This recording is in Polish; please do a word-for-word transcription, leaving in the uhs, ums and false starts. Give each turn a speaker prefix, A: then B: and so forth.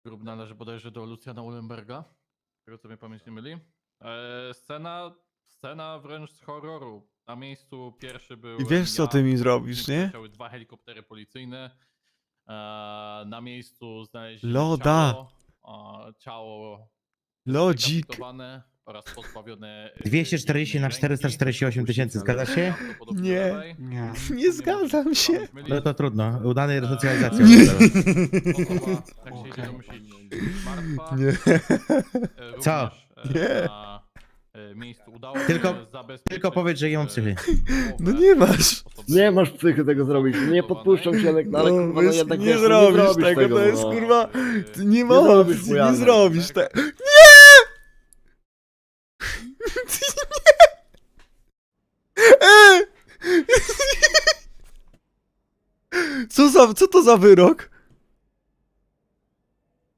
A: Grób należy bodajże do Lucjana Ullenberga, z tego co mnie pamięć nie myli. E, scena, scena wręcz z horroru. Na miejscu pierwszy był.
B: I wiesz co ty mi zrobisz, nie?
A: Leciały dwa helikoptery policyjne. E, na miejscu znaleźli
B: Loda.
A: ciało. E, ciało
B: Lodzik.
A: zdekapitowane oraz pozbawione. e,
C: dwieście czterdzieści na
A: jednej
C: czterysta czterdzieści osiem
A: ręki.
C: tysięcy, zgadza się?
A: Prawdopodobnie
B: Nie.
A: lewej.
D: Nie.
B: Nie zgadzam się.
A: Pamięć myli.
C: No to trudno, udanej resocjalizacji.
B: Nie.
A: Osoba, jak się idzie domyślić, martwa.
B: Nie.
A: E, również,
C: Co?
A: e,
B: Nie.
A: Na e, miejscu udało się
C: Tylko-
A: zabezpieczyć,
C: Tylko powiedz, że nie mam
A: e,
C: psychy.
B: No
A: głowę
B: nie masz.
A: osoby
D: Nie masz psychy tego zrobić, nie podpuszczam cię, ale, ale
B: No,
D: kurwa, no
B: wiesz,
D: jednak
B: nie
D: wiesz, no
B: zrobisz
D: nie
B: tego, to jest
D: no.
B: kurwa-
A: e,
B: Ty nie ma
D: zrobisz
B: opcji, nie
D: chujanek.
B: zrobisz tego. E! Co za, co to za wyrok?